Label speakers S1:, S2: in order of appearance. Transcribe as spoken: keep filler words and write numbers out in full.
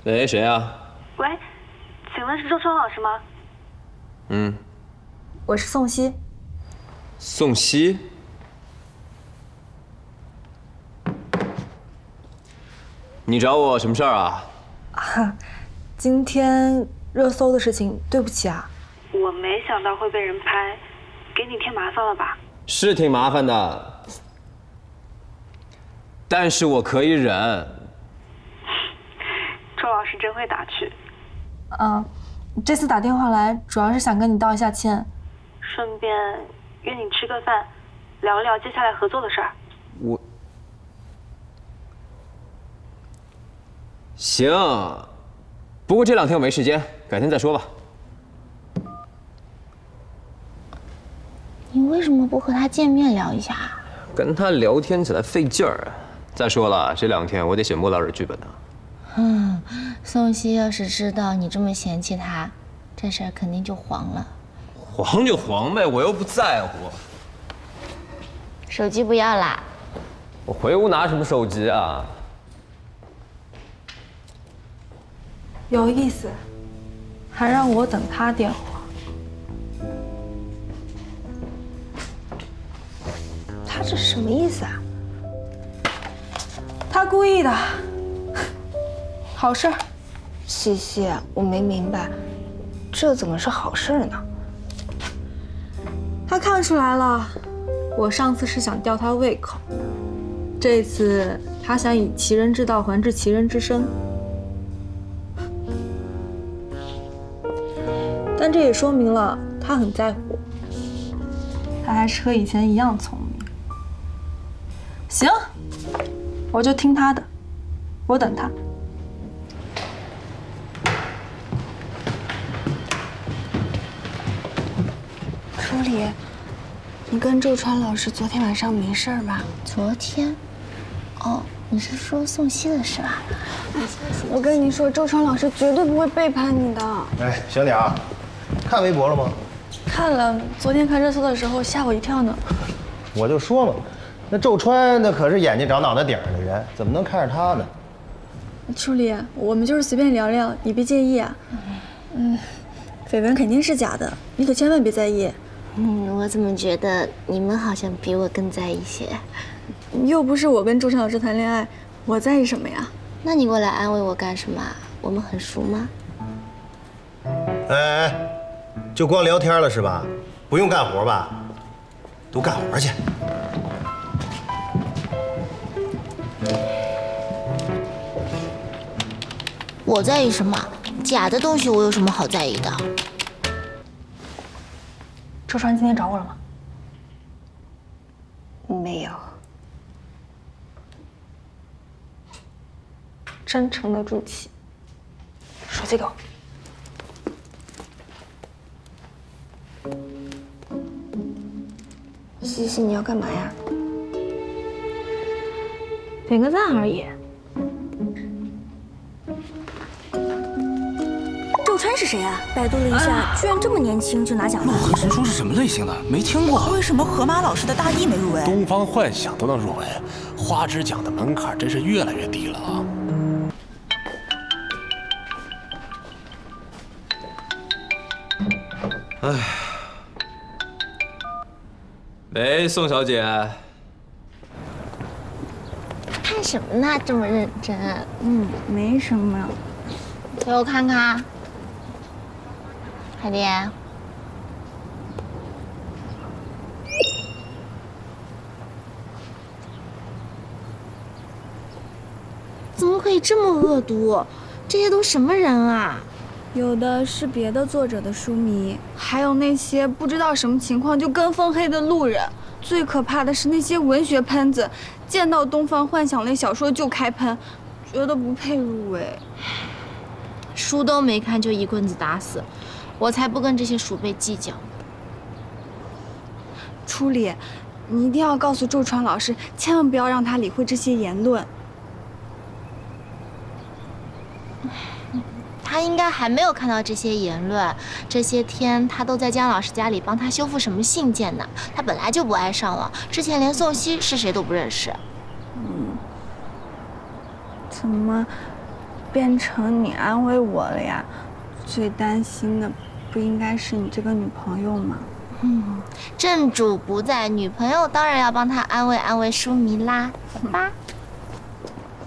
S1: 喂，谁啊？
S2: 喂，请问是周川老师吗？
S1: 嗯，
S3: 我是宋希。
S1: 宋希？你找我什么事儿啊？
S3: 啊，今天热搜的事情，对不起啊。
S2: 我没想到会被人拍，给你添麻烦了吧？
S1: 是挺麻烦的，但是我可以忍。
S2: 周老师真会打趣。
S3: 嗯，这次打电话来，主要是想跟你道一下歉，
S2: 顺便约你吃个饭，聊聊接下来合作的事儿。
S1: 我行，不过这两天我没时间，改天再说吧。
S4: 你为什么不和他见面聊一下？
S1: 跟他聊天起来费劲儿。再说了，这两天我得写莫老师剧本呢。
S4: 嗯，宋希要是知道你这么嫌弃他，这事儿肯定就黄了。
S1: 黄就黄呗，我又不在乎。
S4: 手机不要啦。
S1: 我回屋拿什么手机啊？
S3: 有意思，还让我等他电话。他这是什么意思啊？他故意的。好事儿。
S5: 西西，我没明白，这怎么是好事呢？
S3: 他看出来了，我上次是想吊他胃口，这次他想以其人之道还治其人之身。但这也说明了他很在乎我，他还是和以前一样聪明。行，我就听他的，我等他。
S5: 舒里，你跟周川老师昨天晚上没事吧？
S4: 昨天？哦，你是说宋希的事吧？
S5: 我跟你说，周川老师绝对不会背叛你的。
S6: 哎，小鸟，看微博了吗？
S5: 看了，昨天看热搜的时候吓我一跳呢。
S6: 我就说嘛，那周川那可是眼睛长脑袋顶上的人，怎么能看着他呢？
S5: 舒里，我们就是随便聊聊，你别介意啊。嗯，绯闻肯定是假的，你可千万别在意。
S4: 嗯，我怎么觉得你们好像比我更在意些？
S5: 又不是我跟周川老师谈恋爱，我在意什么呀？
S4: 那你过来安慰我干什么？我们很熟吗？
S6: 哎哎，就光聊天了是吧？不用干活吧？都干活去。
S4: 我在意什么？假的东西我有什么好在意的？
S3: 周川今天找我了吗？
S5: 没有。
S3: 真诚的朱琪，手机给我。
S5: 西西，你要干嘛呀？
S3: 点个赞而已。
S7: 周川是谁啊？百度了一下，居然这么年轻就拿奖了。
S8: 陆河神书是什么类型的？没听过。
S7: 为什么河马老师的大地没入围？
S8: 东方幻想都能入围，花枝奖的门槛真是越来越低了啊！
S1: 哎，喂，宋小姐。
S4: 看什么呢？这么认真？
S5: 嗯，没什么。
S4: 给我看看，快点。怎么可以这么恶毒？这些都什么人啊？
S5: 有的是别的作者的书迷，还有那些不知道什么情况就跟风黑的路人。最可怕的是那些文学喷子，见到东方幻想类小说就开喷，觉得不配入围。
S4: 书都没看就一棍子打死，我才不跟这些鼠辈计较。
S5: 初里，你一定要告诉周川老师，千万不要让他理会这些言论。
S4: 他应该还没有看到这些言论，这些天他都在姜老师家里帮他修复什么信件呢？他本来就不爱上网，之前连宋希是谁都不认识。
S5: 嗯，怎么变成你安慰我了呀？最担心的不应该是你这个女朋友吗？
S4: 嗯，正主不在，女朋友当然要帮他安慰安慰舒迷啦，走吧。